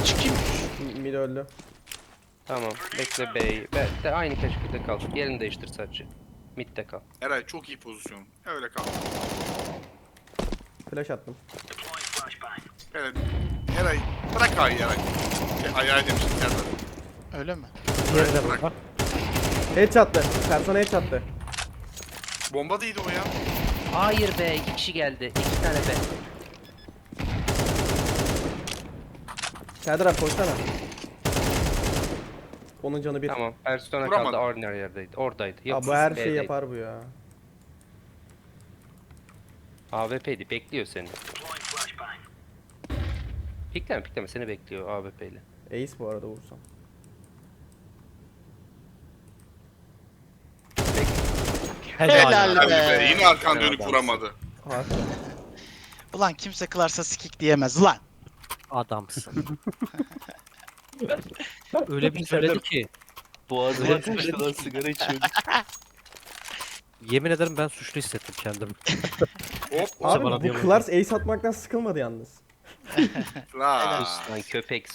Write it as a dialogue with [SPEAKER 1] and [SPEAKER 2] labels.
[SPEAKER 1] çıkayım.
[SPEAKER 2] Mid öldü.
[SPEAKER 3] Tamam. Bekle bey. De aynı keşkülde kal. Yerini değiştir sadece. Mid'de kal.
[SPEAKER 1] Eray çok iyi pozisyon. Öyle kal.
[SPEAKER 2] Flash attım.
[SPEAKER 1] Evet. Eray bırak A'yı Eray. Ayağı demiştim Serdar.
[SPEAKER 4] Öyle mi?
[SPEAKER 5] Diğeri de burada.
[SPEAKER 2] Headshot'tı. Persona headshot'tı.
[SPEAKER 1] Bomba değildi o ya.
[SPEAKER 3] Hayır be. 2 kişi geldi. 2 tane be.
[SPEAKER 2] Serdar abi koşsana. Onun canı bir.
[SPEAKER 3] Tamam. Persona
[SPEAKER 1] Vuramadım.
[SPEAKER 3] kaldı. Ordinary yerdeydi. Oradaydı.
[SPEAKER 2] Aa,
[SPEAKER 3] Yok,
[SPEAKER 2] bu her şeyi
[SPEAKER 3] B'deydi.
[SPEAKER 2] yapar bu ya.
[SPEAKER 3] AWP'di. Bekliyor seni. Pikleme pikleme. Seni bekliyor AWP ile.
[SPEAKER 2] Ace bu arada vursam.
[SPEAKER 4] Helal
[SPEAKER 1] Hadi be.
[SPEAKER 4] be.
[SPEAKER 1] Yine arkan
[SPEAKER 3] Helal
[SPEAKER 1] dönüp
[SPEAKER 3] adamsın.
[SPEAKER 1] vuramadı.
[SPEAKER 2] Harika.
[SPEAKER 4] Ulan kimse kılarsa sikik diyemez lan.
[SPEAKER 5] Adamsın. Öyle bir söyledi ki.
[SPEAKER 3] Boğazıma kaçtı lan sigara içiyorduk.
[SPEAKER 5] Yemin ederim ben suçlu hissettim kendimi.
[SPEAKER 1] Hop
[SPEAKER 5] bana
[SPEAKER 2] Abi bu
[SPEAKER 5] diyemem.
[SPEAKER 2] Klars ace atmaktan sıkılmadı yalnız.
[SPEAKER 1] la.
[SPEAKER 3] Lan köpek